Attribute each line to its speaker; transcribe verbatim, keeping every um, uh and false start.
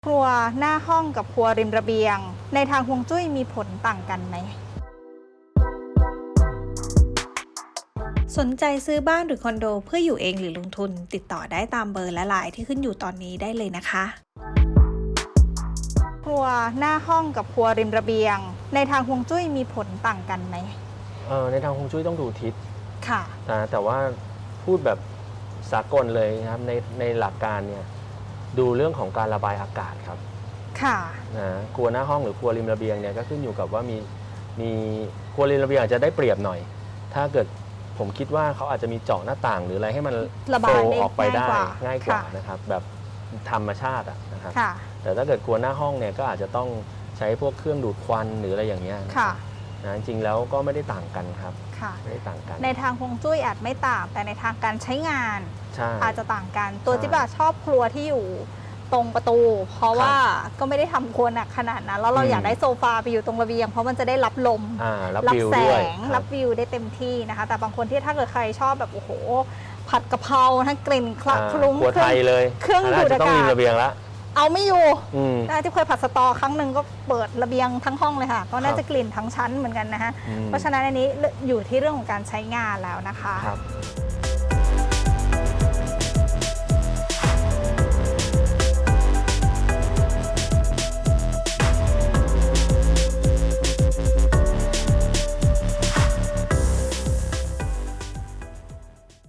Speaker 1: ครัวหน้าห้องกับครัวริมระเบียงในทางฮวงจุ้ยมีผลต่างกันไหมสนใจซื้อบ้านหรือคอนโดเพื่ออยู่เองหรือลงทุนติดต่อได้ตามเบอร์และไลน์ที่ขึ้นอยู่ตอนนี้ได้เลยนะคะครัวหน้าห้องกับครัวริมระเบียงในทางฮวงจุ้ยมีผลต่างกันไหม
Speaker 2: เออในทางฮวงจุ้ยต้องดูทิศ
Speaker 1: ค่ะ
Speaker 2: นะแต่ว่าพูดแบบสากลเลยนะครับในในหลักการเนี่ยดูเรื่องของการระบายอากาศครับ
Speaker 1: ค่ะ
Speaker 2: นะครัวหน้าห้องหรือครัวริมระเบียงเนี่ยก็ขึ้นอยู่กับว่ามีมีครัวริมระเบียงอาจจะได้เปรียบหน่อยถ้าเกิดผมคิดว่าเขาอาจจะมีเจาะหน้าต่างหรืออะไรให้มัน
Speaker 1: ระบายได้
Speaker 2: ออกไปได้ง่ายกว่า
Speaker 1: ค่ะ
Speaker 2: นะครับแบบธรรมชาติอะนะครับ
Speaker 1: ค่ะ
Speaker 2: แต่ถ้าเกิดครัวหน้าห้องเนี่ยก็อาจจะต้องใช้พวกเครื่องดูดควันหรืออะไรอย่างเงี้ย
Speaker 1: ค่ะ
Speaker 2: นะจริงๆแล้วก็ไม่ได้ต่างกันครับ
Speaker 1: ค่ะ
Speaker 2: ไม่ได้ต่างกัน
Speaker 1: ในทางฮวงจุ้ยอาจไม่ต่างแต่ในทางการใช้งานอาจจะต่างกันตัวจิ๊บชอบครัวที่อยู่ตรงประตูเพราะว่าก็ไม่ได้ทำครัวหนักขนาดนั้นแล้วเราอยากได้โซฟาไปอยู่ตรงระเบียงเพราะมันจะได้รับลม
Speaker 2: รับ
Speaker 1: แสงรับวิวได้เต็มที่นะคะแต่บางคนที่ถ้าเกิดใครชอบแบบโอ้โหผัดกะเพราทั้งกลิ่นคละคลุ้ง
Speaker 2: ครัวไทยเลย
Speaker 1: เครื่องดูดอากาศ
Speaker 2: ต้องมีระเบียงละ
Speaker 1: เอาไม่อยู่ได้ที่เคยผัดสตอครั้งหนึ่งก็เปิดระเบียงทั้งห้องเลยค่ะก็น่าจะกลิ่นทั้งชั้นเหมือนกันนะฮะเพราะฉะนั้นอันนี้อยู่ที่เรื่องของการใช้งานแล้วนะคะ